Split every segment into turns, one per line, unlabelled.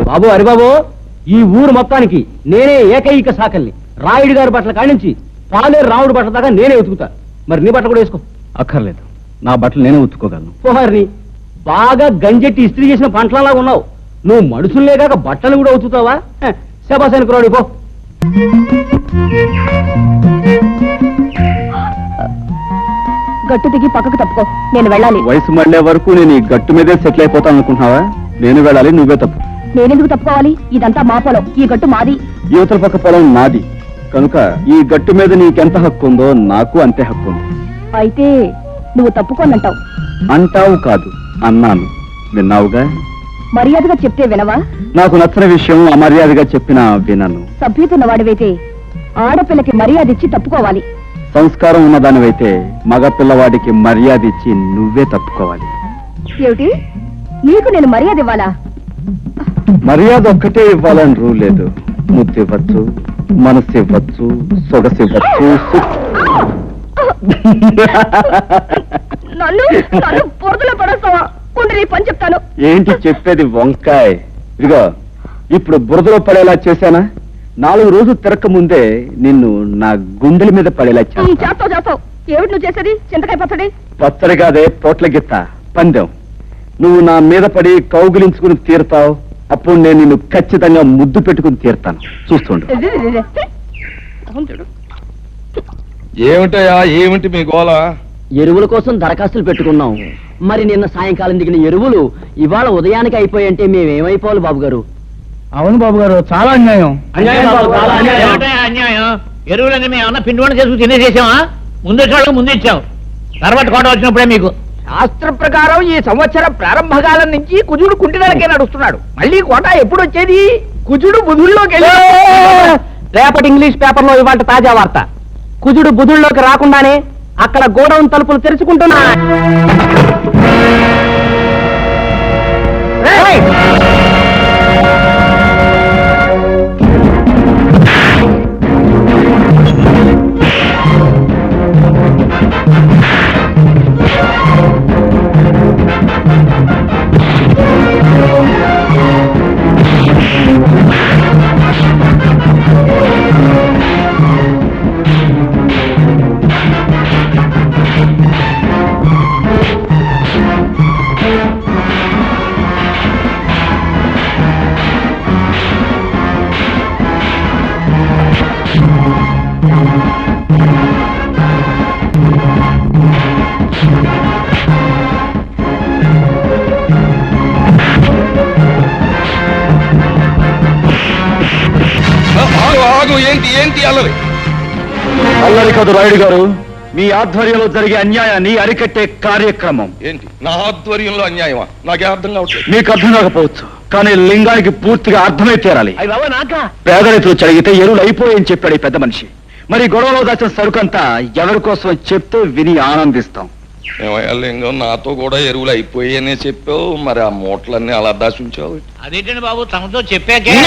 బాబు హరిబాబు, ఈ ఊరు మొత్తానికి నేనే ఏకైక సాకల్ని. రాయుడు గారి బట్టల కానించి పాలేరు రాముడు బట్టల దాకా నేనే ఉతుకుతా. మరి నీ బట్టలు కూడా వేసుకో. అక్కర్లేదు, నా బట్టలు నేనే ఉతుక్కోగలను. పోహారిని బాగా గంజెట్టి ఇస్త్రీ చేసిన పంటలలా ఉన్నావు. నువ్వు మనుషులే కాక బట్టలు కూడా ఉతుకుతావా? శబాసానికి రాడు పో.
గట్టు దిగి పక్కకు తప్పుకో, నేను వెళ్ళాలి.
వయసు మళ్ళే వరకు నేను ఈ గట్టు మీదే సెటిల్ అయిపోతాను అనుకుంటున్నావా? నేను వెళ్ళాలి, నువ్వే తప్పు.
నేనెందుకు తప్పుకోవాలి? ఇదంతా మా పొలం, ఈ గట్టు మాది.
యువతల పక్క పొలం నాది కనుక ఈ గట్టు మీద నీకెంత హక్కు ఉందో నాకు అంతే హక్కు ఉంది.
అయితే నువ్వు తప్పుకోనంటావు.
అంటావు కాదు, అన్నాను. విన్నావుగా.
మర్యాదగా చెప్తే వినవా?
నాకు నచ్చని విషయం అమర్యాదగా చెప్పినా వినను.
సభ్యుతున్నవాడివైతే ఆడపిల్లకి మర్యాద ఇచ్చి తప్పుకోవాలి.
సంస్కారం ఉన్నదానివైతే మగ పిల్లవాడికి మర్యాద ఇచ్చి నువ్వే తప్పుకోవాలి.
ఏమిటి, నీకు నేను మర్యాద ఇవ్వాలా?
మర్యాద ఒక్కటే ఇవ్వాలని రూల్ లేదు. ముద్దు ఇవ్వచ్చు, మనసు ఇవ్వచ్చు, సొగసు ఇవ్వచ్చు.
నన్ను పొరదలో పడేస్తావా? నీ పని చెప్తాను.
ఏంటి చెప్పేది వంకాయ్? ఇదిగో, ఇప్పుడు బురదలో పడేలా చేశానా? 4 రోజులు తిరక్క ముందే నిన్ను నా గుండెల మీద పడేలా
చేస్తావు. ఏమిటి నువ్వు చేసేది? చింతకాయ పచ్చడి?
పచ్చడి కాదే, పోట్ల గిత్త పందెం. నువ్వు నా మీద పడి కౌగిలించుకుని తీరుతావు. అప్పుడు నేను నిన్ను ఖచ్చితంగా ముద్దు పెట్టుకుని తీరుతాను. చూస్తుండు.
ఏమిటయా, ఏమిటి మీ గోల?
ఎరువుల కోసం దరఖాస్తులు పెట్టుకున్నాం. మరి నిన్న సాయంకాలం దిగిన ఎరువులు ఇవాళ ఉదయానికి అయిపోయంటే మేమేమైపోవాలి బాబు గారు?
అవును బాబు గారు, చాలా అన్యాయం.
అన్యాయం. ఎరువులన్నీ మేము ఏమన్నా పిండి వంట చేసుకుని తినేసేసామా? ముందు ఇచ్చాం, తర్వాత కోట వచ్చినప్పుడే మీకు. శాస్త్ర ప్రకారం ఈ సంవత్సరం ప్రారంభకాలం నుంచి కుజుడు కుంటినలకే నడుస్తున్నాడు. మళ్ళీ కోట ఎప్పుడు వచ్చేది? కుజుడు బుధుల్లోకి
రేపటి ఇంగ్లీష్ పేపర్ లో ఇవాళ తాజా వార్త. కుజుడు బుధుల్లోకి రాకుండానే అక్కడ గోడౌన్ తలుపులు తెరుచుకుంటున్నా.
అల్లరి కాదు రాయుడు గారు, మీ ఆధ్వర్యంలో జరిగే అన్యాయాన్ని అరికట్టే కార్యక్రమం.
ఏంటి నా ఆధ్వర్యంలో అన్యాయమా? నాకే అర్థం కావట్లేదు.
మీకు అర్థం కాకపోవచ్చు, కానీ లింగానికి పూర్తిగా అర్థమై తీరాలి. పేద రైతులు చదివితే ఎరువులు అయిపోయాయని చెప్పాడు ఈ పెద్ద మనిషి. మరి గొడవలో దాచిన సరుకంతా ఎవరి కోసం చెప్తే విని ఆనందిస్తాం.
ఏమయ్యా లింగం, నాతో కూడా ఎరువులు అయిపోయాయనే చెప్పావు, మరి ఆ మూటలన్నీ అలా దాచుంచావు.
అదేంటండి బాబు, తమతో చెప్పాకే.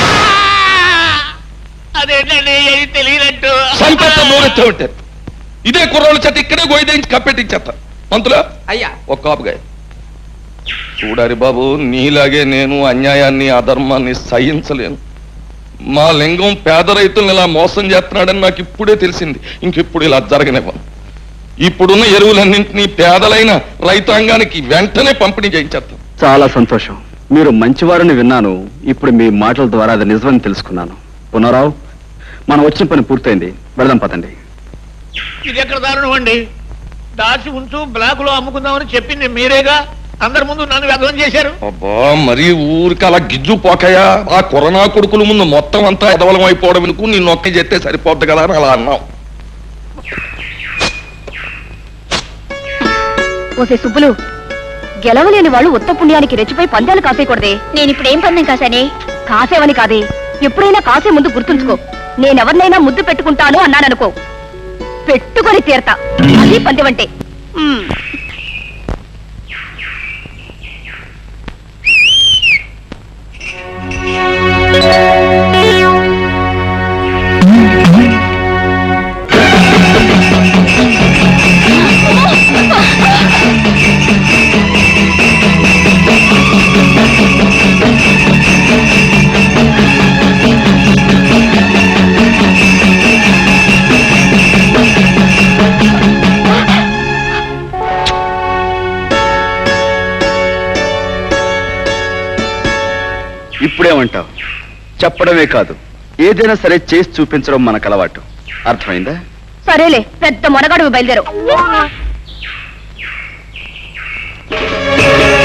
అదేంటండి తెలియనట్టు
ఉంటారు. ఇదే కుర్రోళ్ళ చేత ఇక్కడే గోయిదేంచి కప్పెట్టించేస్తా. మంతులా
అయ్యా
ఒక్క కాపుగా చూడారి బాబు, నీలాగే నేను అన్యాయాన్ని అధర్మాన్ని సహించలేను. మా లింగం పేద రైతులను ఇలా మోసం చేస్తున్నాడని నాకు ఇప్పుడే తెలిసింది. ఇంకెప్పుడు ఇలా జరగనివ్వను. ఇప్పుడున్న ఎరువులన్నింటినీ పేదలైన రైతాంగానికి వెంటనే పంపిణీ చేయించేస్తాం.
చాలా సంతోషం, మీరు మంచివారని విన్నాను. ఇప్పుడు మీ మాటల ద్వారా అది నిజమని తెలుసుకున్నాను. పునరావు, మనం వచ్చిన పని పూర్తయింది, వెళదాం పదండి.
ఇది ఎక్కడ దారుణం అండి? దాచి ఉంచు, బ్లాక్ లో అమ్ముకుందామని చెప్పింది మీరేగా. అందరి ముందు నన్ను వ్యర్థం చేశారు.
అబ్బా, మరి ఊరికి అలా గిజ్జు పోకయా? ఆ కరోనా కొడుకుల ముందు మొత్తం అంతా ఎదవలం అయిపోవడం ఎందుకు? నిన్ను ఒక్క చెప్తే సరిపోద్ది కదా అని అలా అన్నావు.
ఓసే సుబ్బులు, గెలవలేని వాళ్ళు ఉత్త పుణ్యానికి రెచ్చిపోయి పందాలు కాసేయకూడదే. నేను ఇప్పుడు ఏం పందెం కాసానే? కాసేవని కాదే, ఎప్పుడైనా కాసే ముందు గుర్తుంచుకో. నేనెవరినైనా ముద్దు పెట్టుకుంటాను అన్నాననుకో, పెట్టుకొని తీరతా. అది పందెమంటే.
ఇప్పుడేమంటావు? చెప్పడమే కాదు, ఏదైనా సరే చేసి చూపించడం మనకు అలవాటు. అర్థమైందా?
సరేలే, పెద్ద మొనగాడు బయలుదేరు.